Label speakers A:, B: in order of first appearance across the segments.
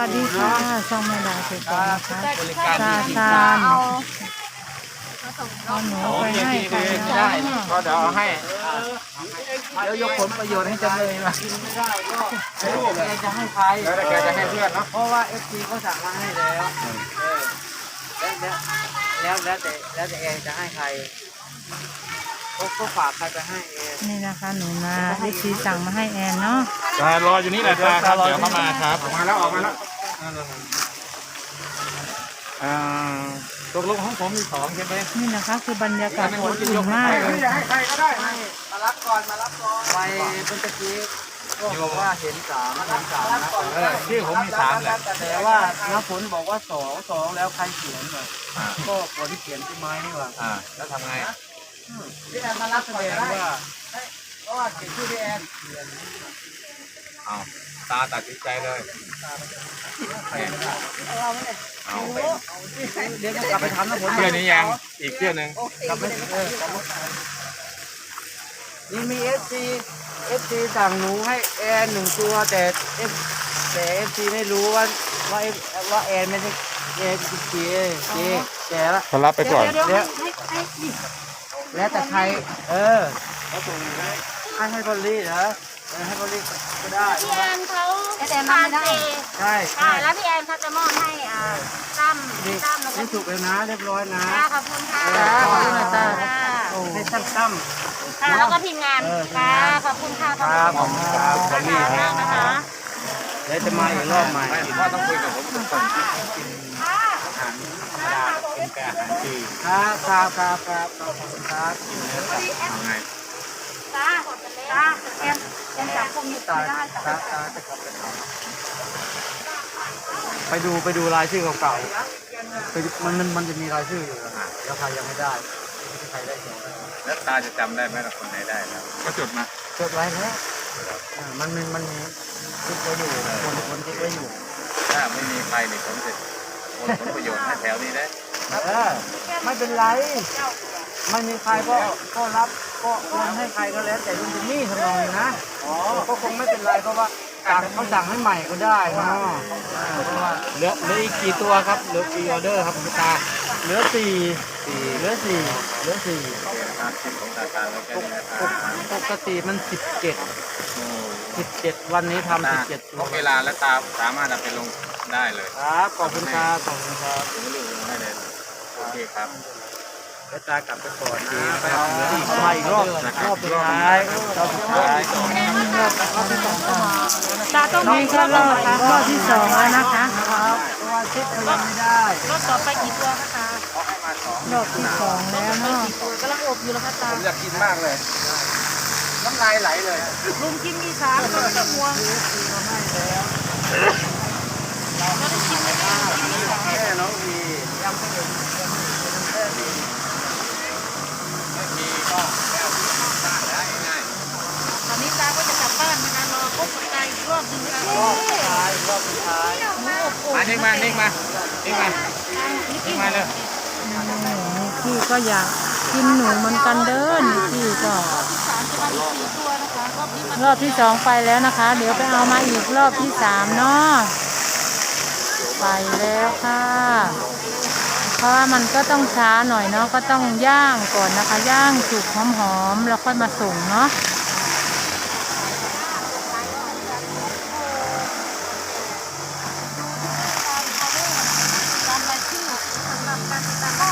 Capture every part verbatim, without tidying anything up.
A: วัสดีค่ะช่องแม่ดาเสร็จแล้วนะคะ
B: บริการ
A: ซา
B: ดี
A: ซานเอาหนูไปให้ใคร
B: ไม่
A: นะ
B: ได้ก็เดี๋ยวเอาให้เดี๋ยวยกผลประโยชน์ให้จำเลยมากินไม่ได้ก็ไม่รู้แกจะให้ใครแล้วแกจะให้เพื่อนเนาะเพราะว่าเอฟซีเขาสั่งมาให้แล้วแล้วแล้วแต่แล้วแต่เองจะให้ใครเขาก็ฝากใครไปให้เอง
A: นี่นะคะหนูนาวิธีสั่งมาให้แอนเนาะ
C: ตารออยู่นี่แหละตาครับเดี๋ยวเข้ามาครับ
B: ออกมาแล้วออกมาแล้วอ่าตกลงของผมมีสองใช่ไหม
A: นี่นะคะคือบรรยากาศอบอุ่นมากเลย
B: ให้ใครก็ได้มารับก่อนมารับก่อนไปเมื่อกี้ก็บอกว่าเห็นสามเห็นสามนะเออที่ผมมีสามแหละแต่ว่าน้าฝนบอกว่าสองสองแล้วใครเขียนหน่อยก็คนที่เขียนที่ไม้นี่หว่าอ่าแล้วทำไงพี่แอนมารับแสดงว่าเพราะว่าเขียนชื่อพี่แอนเอาตาตัดสินใจเลยเอาไปเดี๋ยวกลับไปทำนะผมเพื่อนนี้ยังอีกเพื่อนหนึ่งกลับไปเออกลับมานี่มีเอฟซีเอฟซีสั่งหนูให้แอนหนึ่งตัวแต่เอฟแต่เอฟซีไม่รู้ว่าว่าว่าแอนไม่ใช่แอนเจเจเจแกละ
C: เขารับไปก่อน
A: เดี๋ยว
B: เดี๋ยว
A: ให้ให้นี่
B: แล้วแต่ใครเออให้ให้บอลลี่เหรอให้บอลลี่ก็ได้
D: พี่แอนเขาทานเจ
B: ใช่
D: ใช่แล้วพี่แอนเขาจะมอบให้อ่าตั้ม
B: นี่
D: ตั้มแล้วก็
B: นี่ถูกเลยนะเรียบร้อยนะ
D: ค่ะขอบคุณค่ะ
B: ขอบคุณนะจ๊ะ
D: ค่ะ
B: ให้ตั้มตั้ม
D: ค่ะแล้วก็ทีมงานค่ะขอบคุณค่ะขอบ
B: ครับข
D: คุ
B: อบ
D: ณ
B: คุณค
D: ค่ะ
B: รับขอบคุณ
D: มากนะคะ
B: เดี๋ยวจะมาอีกรอบใหม่
C: ว่าต้องคุยกับผมทุกคน
B: เป็นแกอาหารจีนครับครับครับครับขอบคุณครับกินเนื้อสัตว์ยังไง
D: จ้าจ้าแอนแอนจับพวกนี้
B: ตา
D: ไม่ได้
B: ตาตาจะกลับไปทำไปดูไปดูรายชื่อเก่าๆไปดูมันมันมันจะมีรายชื่ออยู่นะแล้วใครยังไม่ได้ไม่ใครได้เขียน
C: แล้วตาจะจำได้ไหมล่ะคนไหนได้แล้วก็จดมา
B: จดไว้แล้วอ่ามันมีมันมีคิดไว้อยู่คนคนคิดไว้อยู่
C: ถ้าไม่มีใครเนี่ยผมจะโอนผลประโยชน์ให้แถวนี้ได้
B: เออไม่เป็นไรไม่มีใครก็ก็รับก็โอนให้ใครก็แล้วแต่ลุงจิมมี่ทำนองนี้นะอ๋อก็คงไม่เป็นไรเพราะว่าสั่งเขาสั่งให้ใหม่ก็ได้เนาะอ่าเพราะว่าเหลือเหลืออีกกี่ตัวครับเหลือกี่ออเดอร์ครับคุณตาเหลือสี่สี่เหลือสี่เหลือสี่
C: ตามคิดของตาตาแล้วแค่นี้นะครับ
B: ปกติมันสิบเจ็ดสิบเจ็ดวันนี้ทำสิบเจ็ดตั
C: พ
B: ว
C: กเวลาและตาสามารถเอาไปลงได้เลย
B: ครับขอบคุณครับขอบคุณครับ
C: ถึงเรื่องลงได้เลยโอเคครับ
B: แล้วตากลับไปก่อนนะไปเอาอีกมาอีกรอบรอบสุดท้ายรอบสุดท้าย
A: ตาต้องมีก็รอบค่ะรอบที่สองแล้วนะคะ
B: ครับเพราะว่าเช็คยังไม่ได้
D: รถต่อไปกี่ตัวคะตาร
A: อบที่สองแล้วเนาะ
D: ตัวกำลังอบอยู่แล้วค่ะตา
B: ผมอยากกินมากเลย น้ำลายไหลเลย
D: ลุงกินมีสามตัวจะมัวเราได้ชิมไหมเนี่ยกินมีสาม
B: แม่น้องวียังไม่เห็นยังไม่เห็นแค่ดี
C: มีก็แล้วตาได้ง่าย
D: ตอนนี้ตาก็จะกลับบ้านนะคะรอพบกับตาอีกรอบหนึงนะคะ
B: รอบสุดท้ายรอบสุดท้าย
D: หมูอบโอ่ง
C: มานิ่งมานิ่งมานิ่งมานิ่งมาเลย
A: นิกกี้ก็อยากกินหนูเหมือนกันเด้อนิกกี้ก็
D: สามจะมาอีกสี่ตัวนะคะรอบนี้มัน
A: รอบที่สองไปแล้วนะคะ เดี๋ยวไปเอามาอีกรอบที่สามเนาะไปแล้วค่ะ เพราะว่ามันก็ต้องช้าหน่อยเนาะก็ต้องย่างก่อนนะคะ ย่างสุกหอมๆแล้วค่อยมาส่งเนาะ
D: ตามรายชื่อสำหรับการติดตามก็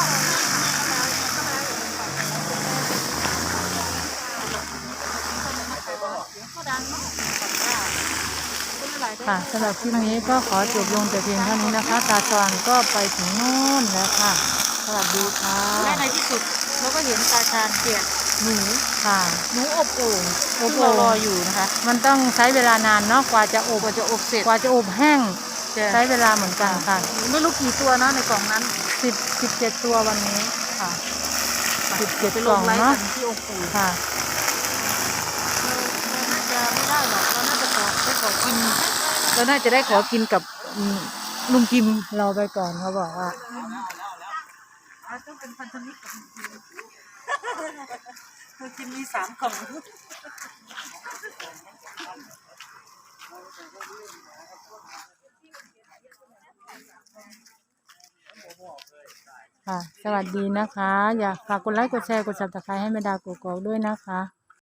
A: ค่ะสำหรับคลิปนี้ก็ขอจบลงแต่เพียงเท่านี้นะคะ ตาจวนก็ไปถึงโน่นแล้วค่ะสวัสดีค่ะ
D: และในที่สุดเราก็เห็นตาชาญเกียรติหนู
A: ค่ะ
D: หนูอบโอ่ง
A: อบโอ่ง
D: ซึ่งเรารออยู่นะคะ
A: มันต้องใช้เวลานานเนาะกว่าจะอบ
D: กว่าจะอบเสร็จ
A: กว่าจะอบแห้ง
D: จะ
A: ใช้เวลาเหมือนกันค่ะ
D: ไม่รู้กี่ตัวนะในกล่องนั้น
A: สิบสิบเจ็ดตัววันนี้
D: ค่ะ
A: สิบเจ็ด
D: ไป
A: ก
D: ล
A: ล่อง ง
D: ไลฟ์
A: เนาะ
D: กันที่องค์ปู่
A: ค่ะ
D: เราน่าจะไม่ได้หรอกเราน่าจะขอได้ขอกินเราน่าจะได้ขอกินกับอืมลุงกิม
A: เราไปก่อนเขาบอกว่า
D: ต้องเป็นพันธมิตรกับลุงกิมลุงกิมมีสามกล่อง
A: ค่ะ สวัสดีนะคะ อยากฝากกดไลค์กดแชร์กดซับสไครต์ให้แม่ดากกอกๆด้วยนะคะ